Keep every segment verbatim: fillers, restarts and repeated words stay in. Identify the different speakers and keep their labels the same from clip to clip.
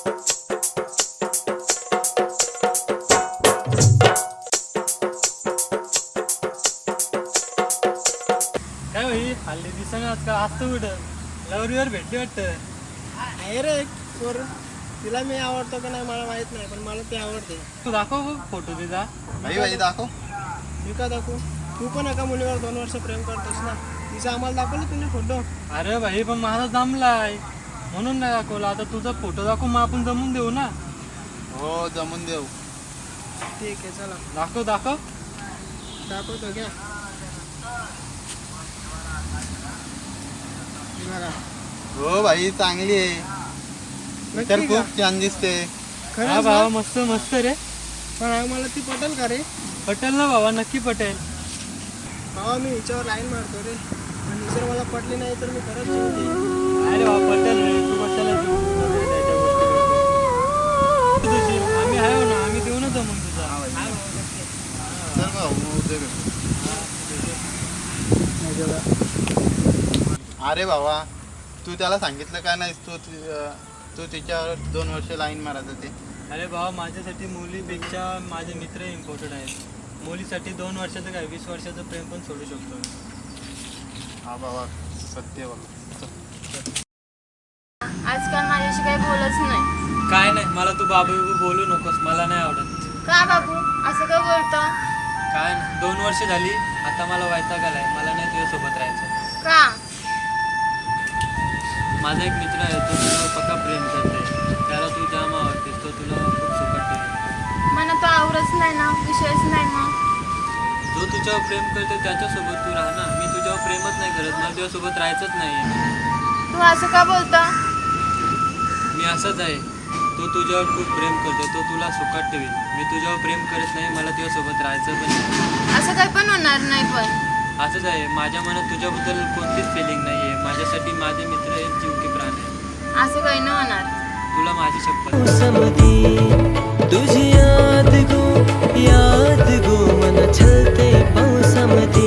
Speaker 1: काय होई हल्ली दिसणं आजकाल असतं कुठं लवरीवर भेटली वाटतं.
Speaker 2: आहे रे पोर, तिला मी आवडतो का नाही मला माहित नाही, पण मला ती आवडते.
Speaker 1: तू दाखव फोटो तिचा.
Speaker 3: भाई भाई दाखव.
Speaker 2: मी का दाखवू? तू पण एका मुलीवर दोन वर्ष प्रेम करतोस ना, तिचा आम्हाला दाखवलं तुम्ही फोटो.
Speaker 1: अरे भाई पण माझा जमलाय म्हणून नाही दाखवला. आता तुझा फोटो दाखव मग आपण जमून देऊ ना.
Speaker 3: हो जमून देऊ.
Speaker 2: ठीक आहे चला
Speaker 1: दाखव दाखव.
Speaker 2: दाखवतो घ्या. हे बघा.
Speaker 3: हो भाई चांगली आहे. तर
Speaker 2: नक्की का?
Speaker 3: खूप छान दिसते.
Speaker 1: हा
Speaker 2: खरंच
Speaker 1: भावा
Speaker 2: ना?
Speaker 1: मस्त मस्त रे.
Speaker 2: पण मला ती पटेल का रे?
Speaker 1: पटेल ना भावा, नक्की पटेल.
Speaker 2: भावा मी हिच्यावर लाईन मारतो रे, आणि जर मला पटली नाही तर मी खरंच जीव देईन.
Speaker 1: अरे भावा पटेल रे, तू कशाला जीव देतो रे त्या गोष्टी. तुझी आम्ही आहे हो ना, आम्ही देऊ ना जमून तुझा.
Speaker 3: चल भाऊ मग उद्या भेटू. अरे भावा तू त्याला सांगितलं का नाही तू तू तिच्यावर दोन वर्ष लाईन मारायचं ते.
Speaker 1: अरे भावा माझ्यासाठी मुलीपेक्षा माझे मित्र इम्पॉर्टंट आहेत. मुलीसाठी दोन वर्षाचं काय वीस वर्षाचं प्रेम पण सोडू शकतो.
Speaker 3: हा भावा सत्य बघ.
Speaker 4: आजकाल माझ्याशी काही बोलच नाही.
Speaker 1: काय नाही, मला तू बाबू बिबू बोलू नकोस, मला नाही आवडत.
Speaker 4: का बाबू असं का बोलतो?
Speaker 1: काय नाही, दोन वर्ष झाली आता मला वैताग आलाय, मला नाही तुझ्यासोबत राहायचं.
Speaker 4: का?
Speaker 1: माझा एक मित्र आहे, तो तुला पक्का प्रेम करते, त्याला तू जाम आवडतेस, तो तुला खूप सुखट ठेवेल.
Speaker 4: मला तो आवडच नाही ना, विषयच नाही मग.
Speaker 1: जो तुझ्यावर प्रेम करतो त्याच्यासोबत तू राहा ना. मी तुझ्यावर प्रेमच नाही करत, मला तुझ्यासोबत राहायचंच नाही.
Speaker 4: तू असं का बोलतो?
Speaker 1: मी असंच आहे. तो तुझ्यावर खूप प्रेम करतो, तो तुला सुखात ठेवेल. मी तुझ्यावर प्रेम करत नाही, मला तुझ्यासोबत राहायचं पण नाही.
Speaker 4: असं काही पण होणार नाही. पण
Speaker 1: असंच आहे, माझ्या मनात तुझ्याबद्दल कोणतीच फिलिंग नाही आहे. माझ्यासाठी माझे मित्र हे जीव की प्राण आहे.
Speaker 4: असं काही नाही होणार.
Speaker 1: तुला माझी शपथ.
Speaker 5: तुझी याद गो याद गो मन छलते पावसामध्ये.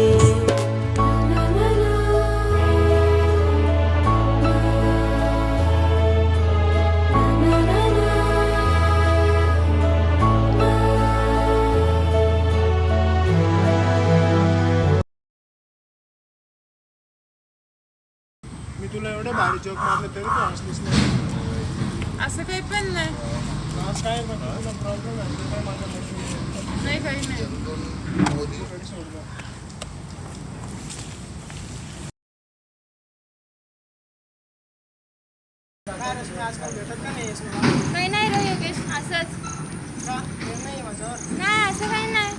Speaker 2: मी तुला एवढं भारी जोक मारलं तरी तू हसलीस नाही.
Speaker 4: असं काही पण नाही.
Speaker 2: आज काय बघ, तुला प्रॉब्लेम आहे काय माझ्या मशीन
Speaker 4: नाही काही नाही.
Speaker 2: सोडलं. काय रश्मी आजकाल भेटत का नाही मला?
Speaker 4: काही नाही रे योगेश, असंच.
Speaker 2: का प्रेम नाही माझ्यावर?
Speaker 4: नाही असं काही नाही.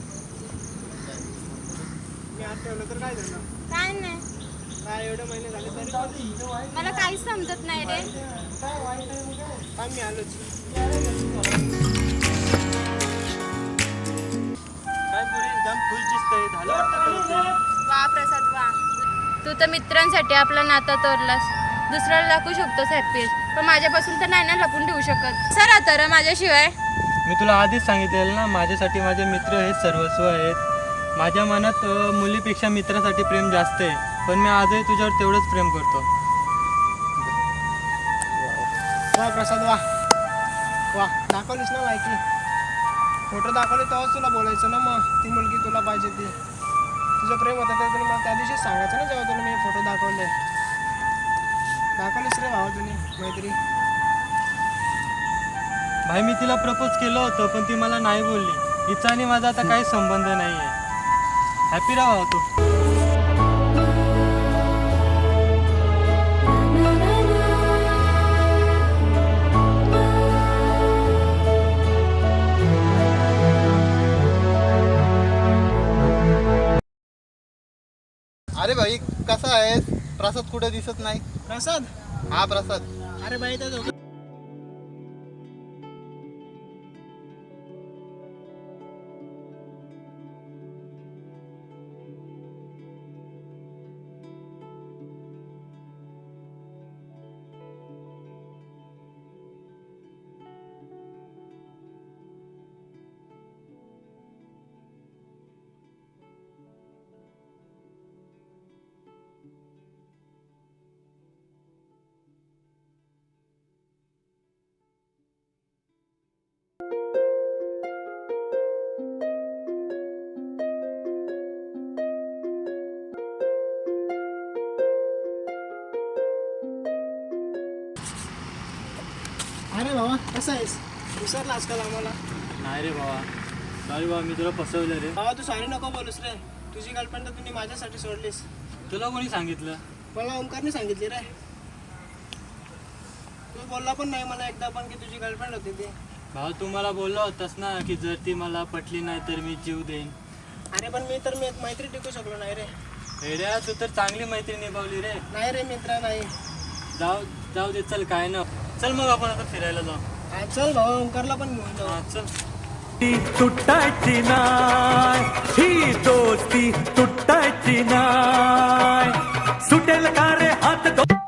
Speaker 2: मी आज ठेवलं तर काय झालं?
Speaker 4: काय नाही,
Speaker 2: काय एवढे महिने झाले तरी पण?
Speaker 4: मला काहीच समजत नाही रे.
Speaker 2: काय मी आलोच.
Speaker 1: काय पुरी जाम खुश दिसतंय, झालं वाटतं कळतंय.
Speaker 4: वा प्रसाद वा, तू तर मित्रांसाठी आपला नाता तोडलास. दुसऱ्याला दाखवू शकतोस हॅपी, पण माझ्यापासून तर नाही ना लपून ठेवू शकत. सर तर माझ्याशिवाय.
Speaker 1: मी तुला आधीच सांगितलेलं ना, माझ्यासाठी माझे मित्र हे सर्वस्व आहेत. माझ्या मनात अ, मुलीपेक्षा मित्रासाठी प्रेम जास्त आहे, पण मी आजही तुझ्यावर तेवढंच प्रेम करतो.
Speaker 2: वा प्रसाद वा वा, दाखवलीस ना लायकी. फोटो दाखवले तेव्हाच तुला बोलायचं ना, मग ती मुलगी तुला पाहिजे ती. तुझं प्रेम होतं तर तुला मला त्या दिवशीच सांगायचं ना, जेव्हा तुला मी फोटो दाखवले. दाखवलीस रे भावा तुझी मैत्री.
Speaker 1: भाई मी तिला प्रपोज केलं होतं, पण ती मला नाही बोलली. हिचा आणि माझा आता काही संबंध नाही आहे. हॅपी राहा तू.
Speaker 3: अरे भाई कसा आहेस? प्रसाद कुठे दिसत नाही.
Speaker 2: प्रसाद,
Speaker 3: हा प्रसाद.
Speaker 2: अरे बाई त्या दोघं अरे बाबा कसं आहेस विसरला आजकाल आम्हाला.
Speaker 1: नाही रे बाबा, सॉरी बाबा, मी तुला फसवलं रे.
Speaker 2: बाबा तू सॉरी नको बोलूस रे. तुझी गर्लफ्रेंड तर तुम्ही माझ्यासाठी सोडलीस.
Speaker 1: तुला कोणी सांगितलं?
Speaker 2: मला ओमकारने सांगितली रे. तू बोलला पण नाही मला एकदा पण की तुझी गर्लफ्रेंड होती ती.
Speaker 1: भाऊ, तू मला बोलला होतास ना की जर ती मला पटली नाही तर मी जीव देईन.
Speaker 2: अरे पण मी तर मी एक मैत्री टिकू शकलो नाही रे.
Speaker 1: एड्या, तू तर चांगली मैत्री निभावली रे.
Speaker 2: नाही रे मित्र नाही.
Speaker 1: जाऊ जाऊ दे, चल काय ना. चल मग आपण आता फिरायला जाऊ.
Speaker 2: हा, चल भाऊ ओमकारला पण घेऊन जाऊ.
Speaker 1: हा चल.
Speaker 5: तुटायची नाय ही दोस्ती तुटायची नाय सुटेल का रे हात दो